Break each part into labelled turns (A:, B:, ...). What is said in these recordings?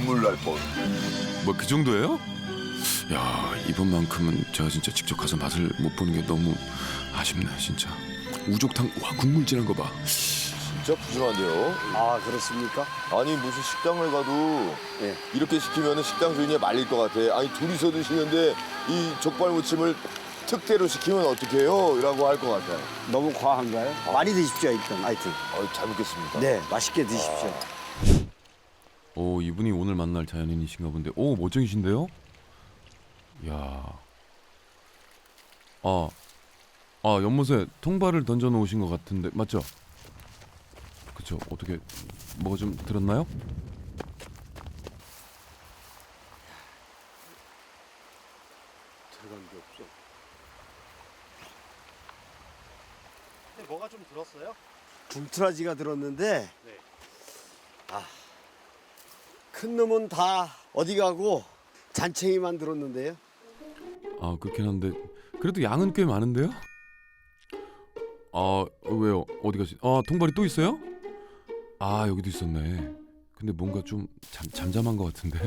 A: 눈물 날 뻔.
B: 뭐 그 정도예요? 야, 이번만큼은 제가 진짜 직접 가서 맛을 못 보는 게 너무 아쉽네 진짜. 우족탕 와 국물 진한 거 봐.
A: 진짜 푸짐한데요.
C: 아, 그렇습니까?
A: 아니 무슨 식당을 가도
C: 예.
A: 이렇게 시키면 식당 주인이 말릴 것 같아. 아니 둘이서 드시는데 이 족발 무침을 특대로 시키면 어떡해요? 라고 할 것 같아요.
C: 너무 과한가요? 많이 드십시오, 하여튼.
A: 잘 먹겠습니다.
C: 네, 맛있게 드십시오.
B: 오, 이분이 오늘 만날 자연인이신가 본데. 오, 멋쟁이신데요? 야. 연못에 통발을 던져 놓으신 것 같은데 맞죠? 그쵸? 어떻게 뭐가 좀 들었나요?
C: 들어간 게 없어.
D: 근데 뭐가 좀 들었어요?
C: 중트라지가 들었는데,
D: 네.
C: 큰 놈은 다 어디 가고 잔챙이만 들었는데요.
B: 아, 그렇긴 한데 그래도 양은 꽤 많은데요? 아, 왜요? 어디 가시? 아, 통발이 또 있어요? 아, 여기도 있었네. 근데 뭔가 좀 잠잠한 것 같은데.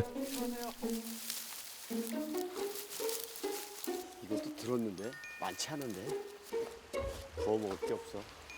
C: 이것도 들었는데 많지 않은데 구워 먹을 게 없어.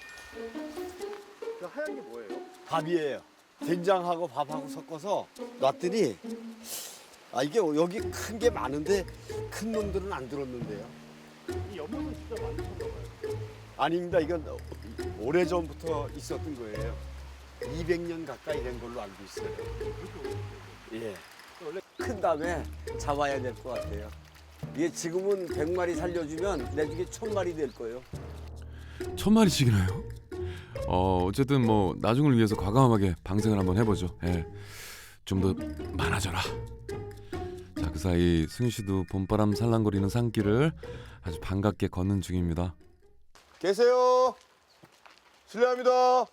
D: 그 하얀 게 뭐예요?
C: 밥이에요. 된장하고 밥하고 섞어서 놨더니 이게 여기 큰 게 많은데 큰 놈들은 안 들었는데요.
D: 이 연못은 진짜 많으셨나 봐요.
C: 아닙니다. 이건 오래전부터 있었던 거예요. 200년 가까이 된 걸로 알고 있어요. 예. 원래 큰 다음에 잡아야 될 것 같아요. 이게 지금은 100마리 살려주면 나중에 1000마리 될 거예요.
B: 1000마리씩이나요? 어쨌든 뭐 나중을 위해서 과감하게 방생을 한번 해보죠. 예. 좀 더 많아져라. 자, 그 사이 승희 씨도 봄바람 살랑거리는 산길을 아주 반갑게 걷는 중입니다.
A: 계세요. 실례합니다.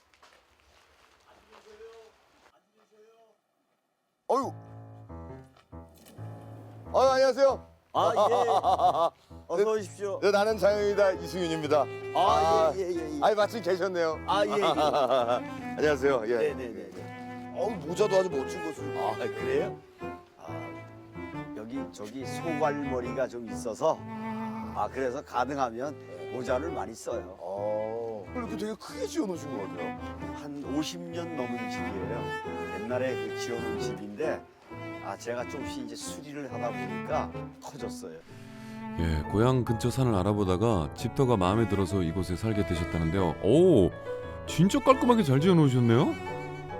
A: 어유. 안녕하세요.
C: 어서 오십시오.
A: 네, 나는 자연이다 이승윤입니다.
C: 예.
A: 아니 마침 계셨네요.
C: 예.
A: 안녕하세요. 예.
C: 네네네.
A: 모자도 아주 멋진 것을.
C: 그래요? 저기 소갈머리가 좀 있어서 그래서 가능하면 모자를 많이 써요.
A: 이렇게 되게 크게 지어놓으신 것 같아요.
C: 한 50년 넘은 집이에요. 옛날에 그 지어놓은 집인데 제가 조금씩 이제 수리를 하다 보니까 커졌어요.
B: 예, 고향 근처 산을 알아보다가 집터가 마음에 들어서 이곳에 살게 되셨다는데요. 오, 진짜 깔끔하게 잘 지어놓으셨네요.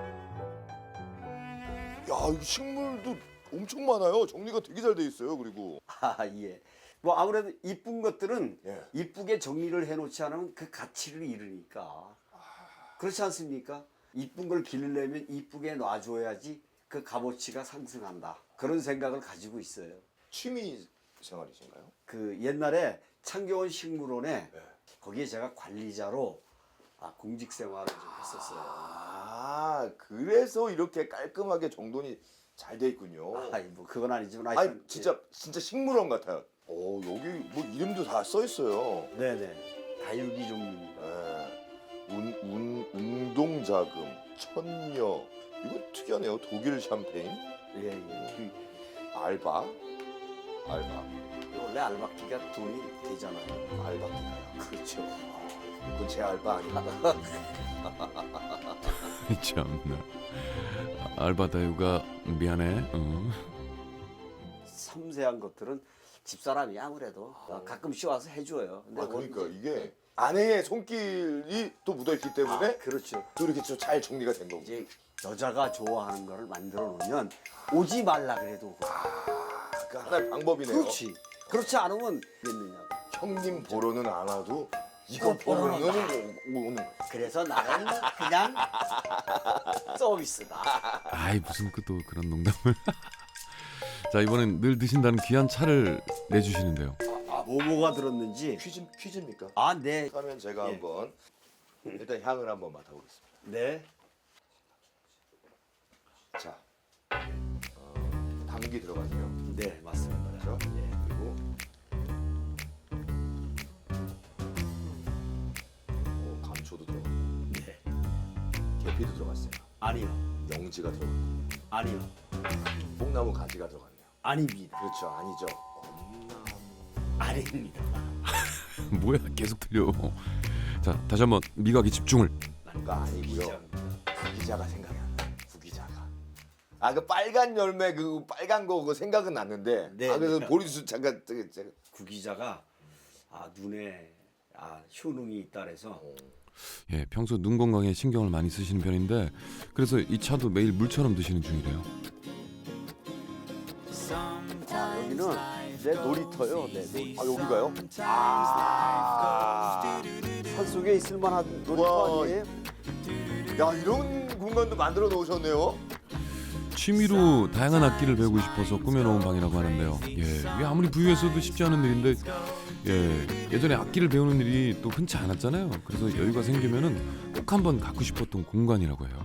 A: 야, 이 식물도 엄청 많아요. 정리가 되게 잘 돼 있어요. 그리고
C: 예. 뭐 아무래도 이쁜 것들은
A: 예.
C: 이쁘게 정리를 해놓지 않으면 그 가치를 잃으니까. 그렇지 않습니까? 이쁜 걸 기르려면 이쁘게 놔줘야지 그 값어치가 상승한다. 그런 생각을 가지고 있어요.
A: 취미 생활이신가요?
C: 그 옛날에 창경원 식물원에
A: 네.
C: 거기에 제가 관리자로 공직 생활을 좀 했었어요.
A: 그래서 이렇게 깔끔하게 정돈이 잘 돼 있군요.
C: 뭐 그건 아니지만
A: 아니
C: 하여튼
A: 진짜 식물원 같아요. 여기 뭐 이름도 다 써 있어요.
C: 네네. 다육이 종류입니다.
A: 운동자금, 천녀. 이거 특이하네요. 독일 샴페인,
C: 예.
A: 알바.
C: 원래 알바끼가 돈이 되잖아요.
A: 알바끼가요.
C: 그렇죠.
A: 그건 제 알바 아닙니다.
B: 참나. 알바다유가 미안해.
C: 섬세한 것들은 집사람이 아무래도 가끔씩 와서 해줘요. 근데
A: 그러니까 이게 아내의 손길이 또 묻어있기 때문에
C: 그렇죠.
A: 또 이렇게 좀 잘 정리가 된 거고.
C: 이제 여자가 좋아하는 거를 만들어 놓으면 오지 말라 그래도
A: 그 하나의 방법이네요.
C: 그렇지. 그렇지 않으면 됐느냐고.
A: 형님 보러는 안 와도 이거 보러는 오는 거예요.
C: 그래서 나는 그냥 서비스다.
B: 아이, 무슨 또 그런 농담을. 자, 이번엔 늘 드신다는 귀한 차를 내주시는데요.
C: 뭐가 들었는지.
A: 퀴즈입니까?
C: 네.
A: 그러면 제가
C: 예.
A: 한번 일단 향을 한번 맡아보겠습니다.
C: 네.
A: 자, 당기 들어가세요.
C: 네, 맞습니다.
A: 그렇죠?
C: 예.
A: 그리고 감초도 들어가고
C: 네.
A: 계피도 들어갔어요.
C: 아니요.
A: 영지가 들어가고
C: 아니요.
A: 뽕나무 가지가 들어갔네요.
C: 아닙니다.
A: 그렇죠, 아니죠.
C: 아닙니다.
B: 뭐야 계속 틀려. 자 다시 한번 미각에 집중을.
A: 가 아니고요. 구기자가 생각이 안 나. 구기자가. 아 그 빨간 열매 그 빨간 거 그거 생각은 났는데.
C: 네,
A: 아 그래서
C: 네.
A: 보리수 잠깐 제가
C: 구기자가 눈에 효능이 있다 그래서
B: 예, 평소 눈 건강에 신경을 많이 쓰시는 편인데 그래서 이 차도 매일 물처럼 드시는 중이래요.
C: 여기는 내 놀이터요. 내 놀이터.
A: 아 여기가요?
C: 산속에 있을 만한 놀이터
A: 우와.
C: 아니에요?
A: 야 이런 공간도 만들어 놓으셨네요.
B: 취미로 다양한 악기를 배우고 싶어서 꾸며놓은 방이라고 하는데요. 예, 이게 아무리 부유해서도 쉽지 않은 일인데 예전에 악기를 배우는 일이 또 흔치 않았잖아요. 그래서 여유가 생기면은 꼭 한번 갖고 싶었던 공간이라고 해요.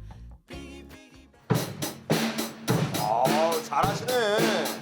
A: 아 잘하시네.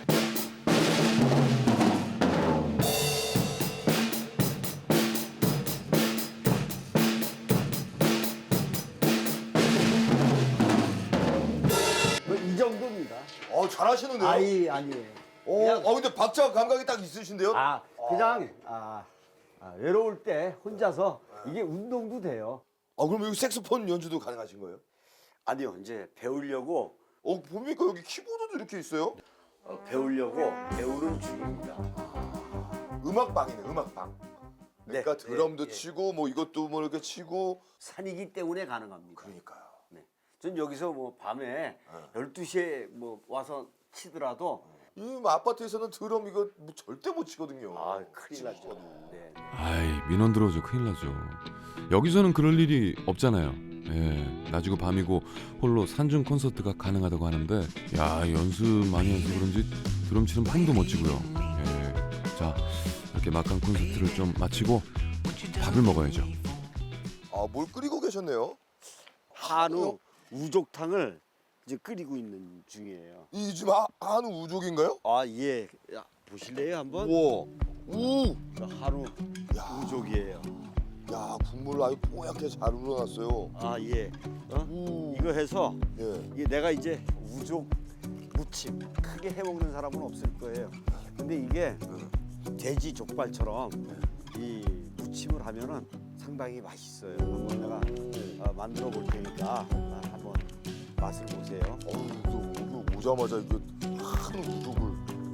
C: 이 정도입니다.
A: 잘하시는데요.
C: 아니에요.
A: 근데 박자 감각이 딱 있으신데요.
C: 그냥 외로울 때 혼자서 이게 운동도 돼요.
A: 그럼 여기 색소폰 연주도 가능하신 거예요?
C: 아니요, 이제 배우려고
A: 봅니까 여기 키보드도 이렇게 있어요?
C: 배우려고 배우는 중입니다.
A: 음악방이네, 음악방. 그러니까
C: 네,
A: 드럼도
C: 네,
A: 치고 뭐 이것도 뭐 이렇게 치고.
C: 산이기 때문에 가능합니다.
A: 그러니까요.
C: 전 여기서 뭐 밤에 12시에 뭐 와서 치더라도
A: 이 아파트에서는 드럼 이거 뭐 절대 못 치거든요.
C: 큰일 나죠.
A: 치고도.
C: 네.
B: 아이 민원 들어오죠. 큰일 나죠. 여기서는 그럴 일이 없잖아요. 예, 낮이고 밤이고 홀로 산중 콘서트가 가능하다고 하는데 야 연습 많이 해서 그런지 드럼 치는 폼도 멋지고요. 예, 자 이렇게 막간 콘서트를 좀 마치고 밥을 먹어야죠.
A: 뭘 끓이고 계셨네요?
C: 한우 우족탕을 이제 끓이고 있는 중이에요.
A: 이 지금 한우 우족인가요?
C: 예. 보실래요 한번?
A: 우와.
C: 한우
A: 야.
C: 우족이에요.
A: 야 국물 아주 뽀얗게 잘 우러났어요.
C: 예.
A: 우.
C: 이거 해서
A: 예.
C: 이게 내가 이제 우족 무침 크게 해 먹는 사람은 없을 거예요. 근데 이게 돼지 족발처럼 이 무침을 하면은 상당히 맛있어요. 한번 내가 만들어 볼 테니까 한번 맛을 보세요.
A: 이거 오자마자 이거 한우 우족을.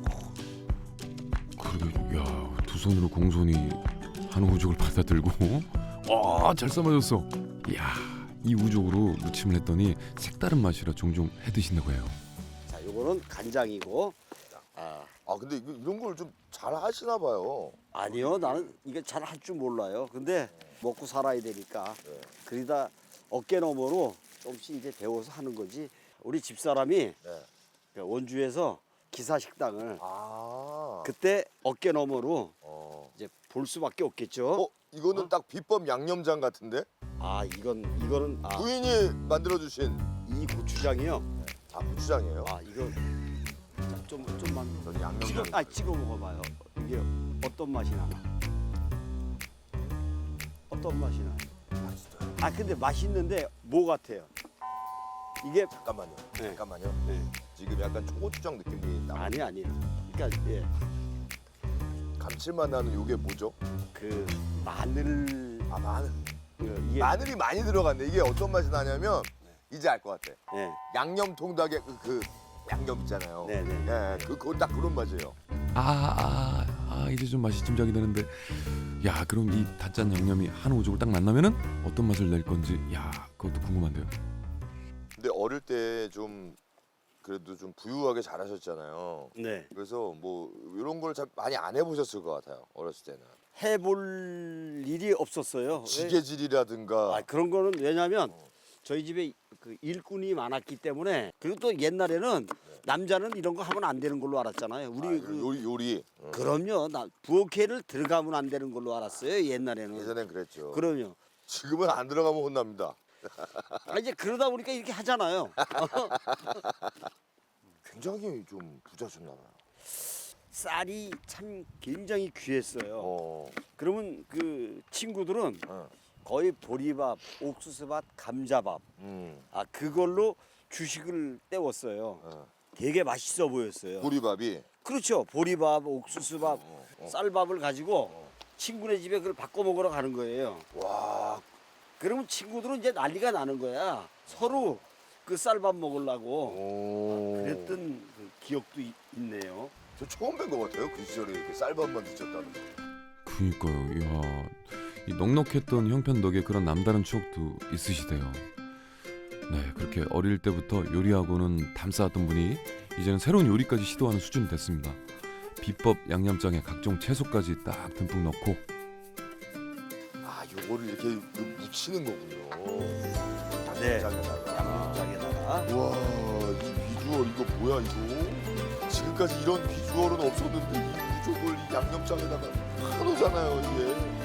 B: 그러게 야두 손으로 공손히 한우 우족을 받아들고 잘 삶아졌어. 이야 이 우족으로 무침을 했더니 색다른 맛이라 종종 해 드신다고 해요.
C: 자, 요거는 간장이고.
A: 근데 이런 걸 좀 잘 하시나 봐요.
C: 아니요, 나는 이게 잘 할 줄 몰라요. 근데 먹고 살아야 되니까 그러다 어깨 너머로 조금씩 이제 배워서 하는 거지. 우리 집사람이 원주에서 기사 식당을 그때 어깨 너머로 이제 볼 수밖에 없겠죠.
A: 이거는 딱 비법 양념장 같은데?
C: 이거는
A: 부인이 만들어 주신
C: 이 고추장이요.
A: 고추장이에요?
C: 이거 좀만
A: 저는 양념장.
C: 찍어 먹어봐요. 이게 어떤 맛이 나나? 어떤 맛이 나?
A: 맛있어요.
C: 근데 맛있는데 뭐 같아요? 이게
A: 잠깐만요.
C: 네.
A: 잠깐만요.
C: 네.
A: 지금 약간 초고추장 느낌이 나.
C: 아니에요. 그러니까
A: 감칠맛 나는 이게 뭐죠?
C: 그 마늘
A: 마늘.
C: 이게
A: 마늘이 많이 들어갔네. 이게 어떤 맛이 나냐면 이제 알 것 같아.
C: 네.
A: 양념 통닭에 그 양념 있잖아요.
C: 네네.
A: 그거 딱 그런 맛이에요.
B: 이제 좀 맛이 짐작이 되는데 야 그럼 이 다짠 양념이 한우 우족을 딱 만나면은 어떤 맛을 낼 건지 야 그것도 궁금한데요.
A: 근데 어릴 때 좀 그래도 좀 부유하게 자라셨잖아요.
C: 네.
A: 그래서 뭐 이런 걸 잘 많이 안 해보셨을 것 같아요. 어렸을 때는.
C: 해볼 일이 없었어요. 왜?
A: 지게질이라든가.
C: 그런 거는 왜냐면 저희 집에 그 일꾼이 많았기 때문에 그리고 또 옛날에는 남자는 이런 거 하면 안 되는 걸로 알았잖아요. 우리
A: 요리.
C: 그럼요. 부엌에를 들어가면 안 되는 걸로 알았어요. 옛날에는.
A: 예전엔 그랬죠.
C: 그럼요.
A: 지금은 안 들어가면 혼납니다.
C: 이제 그러다 보니까 이렇게 하잖아요.
A: 굉장히 좀 부자셨나 봐요.
C: 쌀이 참 굉장히 귀했어요.
A: 어.
C: 그러면 그 친구들은
A: 어.
C: 거의 보리밥, 옥수수밥, 감자밥
A: 음.
C: 그걸로 주식을 때웠어요.
A: 어.
C: 되게 맛있어 보였어요.
A: 보리밥이.
C: 그렇죠. 보리밥, 옥수수밥, 쌀밥을 가지고 친구네 집에 그걸 바꿔 먹으러 가는 거예요.
A: 와,
C: 그러면 친구들은 이제 난리가 나는 거야. 서로 그 쌀밥 먹으려고
A: 오.
C: 그랬던 그 기억도 있네요.
A: 저 처음 뵌 것 같아요. 그 시절에 이렇게 쌀밥만 드셨다는 거.
B: 그니까요. 이야, 이 넉넉했던 형편 덕에 그런 남다른 추억도 있으시대요. 네, 그렇게 어릴 때부터 요리하고는 담쌓았던 분이 이제는 새로운 요리까지 시도하는 수준이 됐습니다. 비법 양념장에 각종 채소까지 딱 듬뿍 넣고.
A: 아, 요거를 이렇게 묻히는 거군요.
C: 네.
A: 양념장에다가.
C: 양념장에다가.
A: 와, 이 비주얼 이거 뭐야 이거? 지금까지 이런 비주얼은 없었는데 이 무조건 이 양념장에다가 한우잖아요 이게.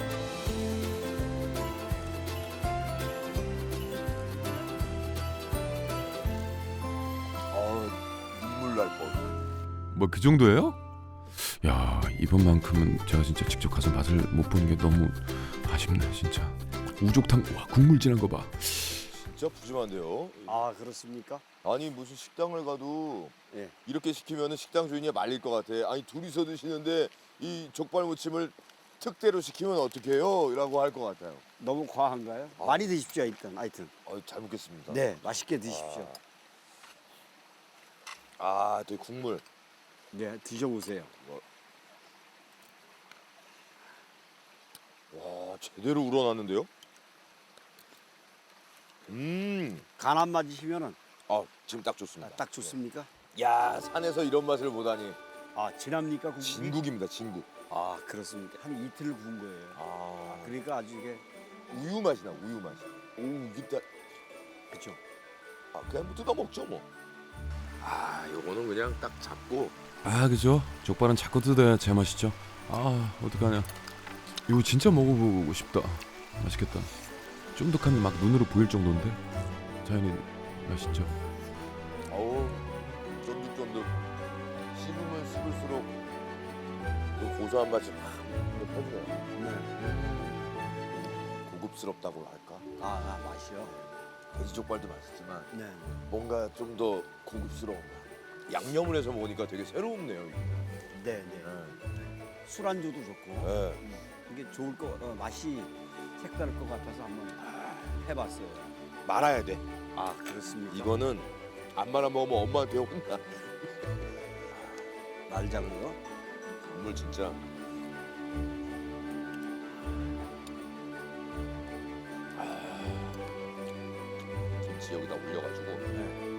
A: 눈물 날 뻔.
B: 뭐 그 정도예요? 야, 이번만큼은 제가 진짜 직접 가서 맛을 못 보는 게 너무 아쉽네 진짜. 우족탕, 와 국물 진한 거 봐.
A: 진짜 푸짐한데요.
C: 아 그렇습니까?
A: 아니 무슨 식당을 가도
C: 예.
A: 이렇게 시키면 식당 주인이 말릴 것 같아. 아니 둘이서 드시는데 이 족발 무침을 특대로 시키면 어떡해요? 라고 할 것 같아요.
C: 너무 과한가요? 많이 드십시오 일단. 하여튼.
A: 잘 먹겠습니다.
C: 네, 맛있게 드십시오.
A: 아, 또 국물.
C: 네, 드셔보세요.
A: 와, 제대로 우러났는데요?
C: 간 안 맞으시면은
A: 지금 딱 좋습니다.
C: 딱 좋습니까?
A: 야, 산에서 이런 맛을 보다니.
C: 아 진합니까 국물이?
A: 진국입니다, 진국.
C: 아 그렇습니까? 한 이틀 구운 거예요. 그러니까 아주 이게
A: 우유 맛이 나, 우유 맛이. 오, 이게 딱,
C: 그렇죠.
A: 그냥 뭐 뜯어 먹죠, 뭐. 요거는 그냥 딱 잡고.
B: 아 그죠? 족발은 자꾸 뜯어야 제맛이죠. 아 어떡하냐. 이거 진짜 먹어보고 싶다. 맛있겠다. 쫀득함이 막 눈으로 보일 정도인데 자연히 맛있죠.
A: 어우, 쫀득쫀득. 씹으면 씹을수록 그 고소한 맛이 팍 퍼지네요.
C: 네.
A: 고급스럽다고 할까?
C: 맛이요.
A: 돼지족발도 맛있지만
C: 네.
A: 뭔가 좀 더 고급스러운 맛. 양념을 해서 먹으니까 되게 새롭네요. 이게.
C: 네, 네. 술안주도 좋고
A: 네.
C: 이게 좋을 거 맛이 색다를 것 같아서 한번 해봤어요.
A: 말아야 돼.
C: 아 그렇습니까?
A: 이거는 안 말아 먹으면 엄마한테 혼나.
C: 말장어요?
A: 국물 진짜. 김치 여기다 올려가지고.
C: 네.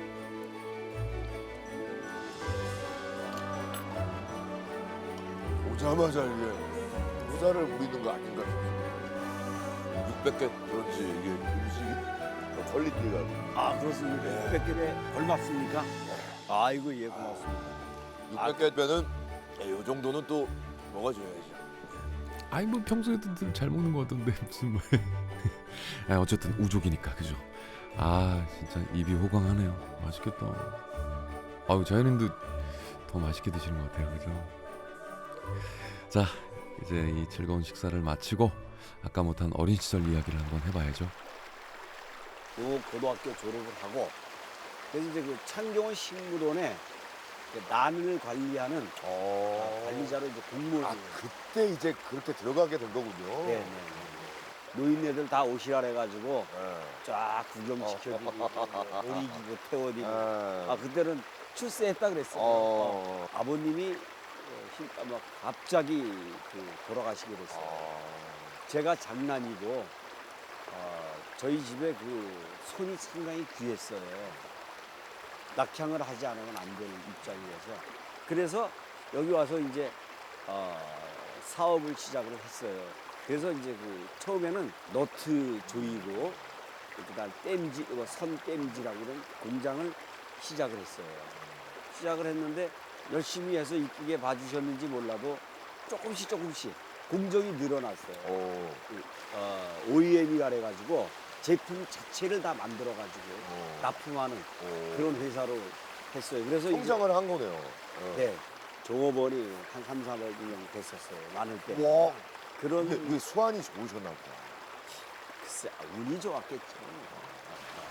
A: 오자마자 이게 모자를 부리는 거 아닌가 싶어요. 600개 그런지 이게 음식이 퀄리티가.
C: 아 그렇습니까?
A: 네.
C: 600개에 얼마습니까? 아이고 예 고맙습니다.
A: 600개 빼는 이 정도는 또 먹어줘야지.
B: 아이 뭐 평소에도 늘 잘 먹는 것 같던데 무슨 뭐. 아, 어쨌든 우족이니까 그죠. 아 진짜 입이 호강하네요. 맛있겠다. 아유 자연인도 더 맛있게 드시는 것 같아요. 그죠. 자 이제 이 즐거운 식사를 마치고 아까 못한 어린 시절 이야기를 한번 해봐야죠.
C: 요 고등학교 졸업을 하고 그래서 이제 그 창경원 식물원에 난을 관리하는 관리자로 이제 공무원.
A: 그때 이제 그렇게 들어가게 된 거군요.
C: 네. 노인네들 다 오시라 해가지고
A: 네.
C: 쫙 구경시켜주고 오리기고 태워드리고.
A: 아,
C: 그때는 출세했다 그랬어요. 아버님이 막 갑자기 돌아가시게 됐어요. 제가 장남이고 저희 집에 그 손이 상당히 귀했어요. 낙향을 하지 않으면 안 되는 입장이어서 그래서 여기 와서 이제 사업을 시작을 했어요. 그래서 이제 그 처음에는 너트 조이고 그다음 땜지, 선 땜지라고 이런 공장을 시작을 했어요. 시작을 했는데 열심히 해서 이쁘게 봐주셨는지 몰라도 조금씩 공정이 늘어났어요. OEM이라 해가지고 제품 자체를 다 만들어가지고 납품하는 그런 회사로 했어요. 그래서
A: 성장을 한 거네요.
C: 네, 종업원이 한 3, 400명 됐었어요. 많을 때.
A: 와,
C: 그런
A: 근데 그 수완이 좋으셨나 보다.
C: 글쎄 운이 좋았겠죠.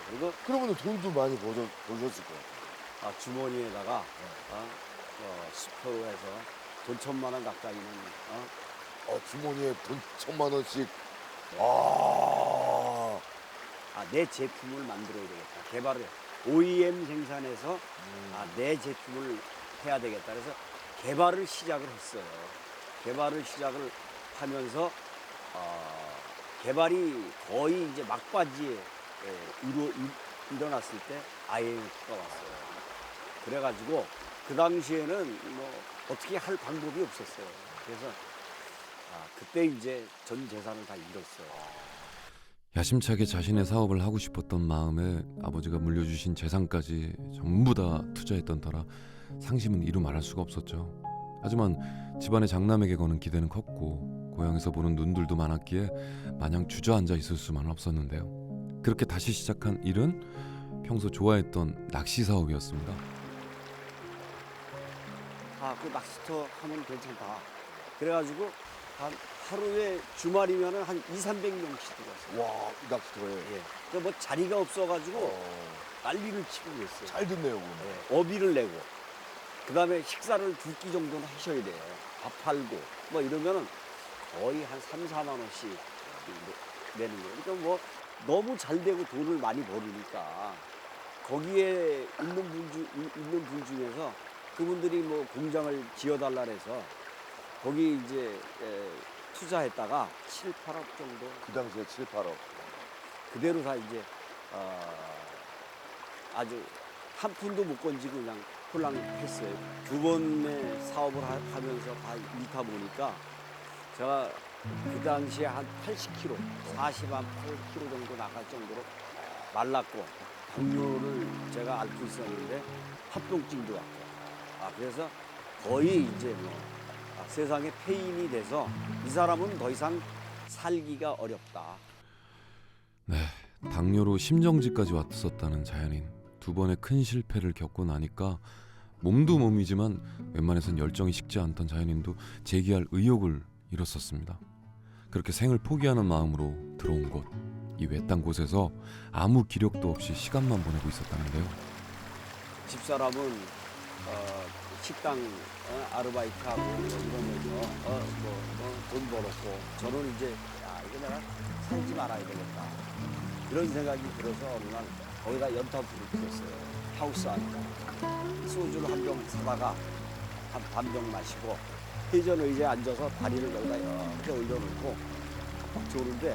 C: 그리고
A: 그러면 돈도 많이 버셨을 거예요.
C: 주머니에다가 수표로 해서 돈 1,000만 원 가까이는
A: 주머니에 돈 1,000만 원씩.
C: 내 제품을 만들어야 되겠다. 개발을 OEM 생산해서 내 제품을 해야 되겠다. 그래서 개발을 시작을 했어요. 개발을 시작을 하면서 개발이 거의 이제 막바지에 일어났을 때 IMF가 왔어요. 그래가지고 그 당시에는 뭐 어떻게 할 방법이 없었어요. 그래서 그때 이제 전 재산을 다 잃었어요.
B: 야심차게 자신의 사업을 하고 싶었던 마음에 아버지가 물려주신 재산까지 전부 다 투자했던 터라 상심은 이루 말할 수가 없었죠. 하지만 집안의 장남에게 거는 기대는 컸고 고향에서 보는 눈들도 많았기에 마냥 주저앉아 있을 수만은 없었는데요. 그렇게 다시 시작한 일은 평소 좋아했던 낚시 사업이었습니다.
C: 그 낚시터 하면 괜찮다. 그래가지고 하루에 주말이면은 한 200~300명씩 들어왔어요.
A: 와, 이 낚시터에.
C: 예. 뭐 자리가 없어가지고 난리를 치고 그랬어요.
A: 잘 듣네요, 그러면.
C: 예. 어비를 내고, 그 다음에 식사를 2끼 정도는 하셔야 돼요. 밥 팔고, 뭐 이러면은 거의 한 3~4만 원씩 내는 거예요. 그러니까 뭐 너무 잘 되고 돈을 많이 벌으니까 거기에 있는 분 중에서 그분들이 뭐 공장을 지어달라 해서 거기 이제 투자했다가 7~8억 정도
A: 그 당시에 7~8억.
C: 그대로 다 이제 아주 한 푼도 못 건지고 그냥 홀랑했어요. 2번의 사업을 하면서 다 잃다 보니까 제가 그 당시에 한 80kg, 48kg 정도 나갈 정도로 말랐고 당뇨를 제가 앓고 있었는데 합병증도 왔고 그래서 거의 이제 뭐 세상에 폐인이 돼서 이 사람은 더 이상 살기가 어렵다.
B: 네, 당뇨로 심정지까지 왔었다는 자연인. 2번의 큰 실패를 겪고 나니까 몸도 몸이지만 웬만해선 열정이 식지 않던 자연인도 재기할 의욕을 잃었었습니다. 그렇게 생을 포기하는 마음으로 들어온 곳, 이 외딴 곳에서 아무 기력도 없이 시간만 보내고 있었다는데요.
C: 집사람은 식당 아르바이트하고 이러면서 돈 벌었고 저는 이제 이거 내가 살지 말아야 되겠다 이런 생각이 들어서 어느 날 거기다 연탄불을 피웠어요. 하우스 안에다 소주를 한 병 사다가 한 반병 마시고 회전 의자에 앉아서 다리를 여기다 이렇게 올려놓고 막 조는데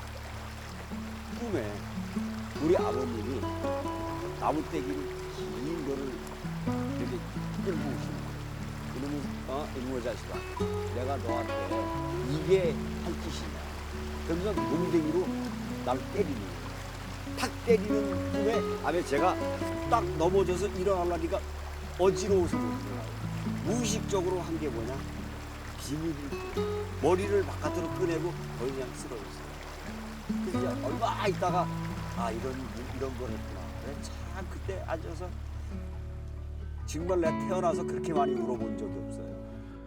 C: 꿈에 우리 아버님이 나무떼기를 긴 거를 이렇게 끌고 오시는 거예요. 이놈의 자식아, 내가 너한테 이게 할 짓이냐. 그러면서 몽댕이로 날 때리는 거예요. 탁 때리는 꿈에 아베 제가 딱 넘어져서 일어나려니까 어지러워서 못 일어나요. 무의식적으로 한 게 뭐냐? 비밀을 머리를 바깥으로 꺼내고 거의 그냥 쓰러졌어요. 그래서 이제 얼마 있다가 이런 걸 했구나. 그래, 참 그때 앉아서 정말 내가 태어나서 그렇게 많이 울어본 적이 없어요.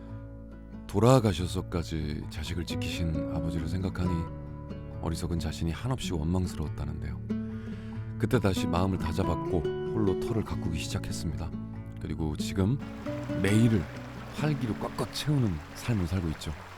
B: 돌아가셔서까지 자식을 지키신 아버지를 생각하니 어리석은 자신이 한없이 원망스러웠다는데요. 그때 다시 마음을 다잡았고 홀로 터를 가꾸기 시작했습니다. 그리고 지금 매일을 활기로 꽉꽉 채우는 삶을 살고 있죠.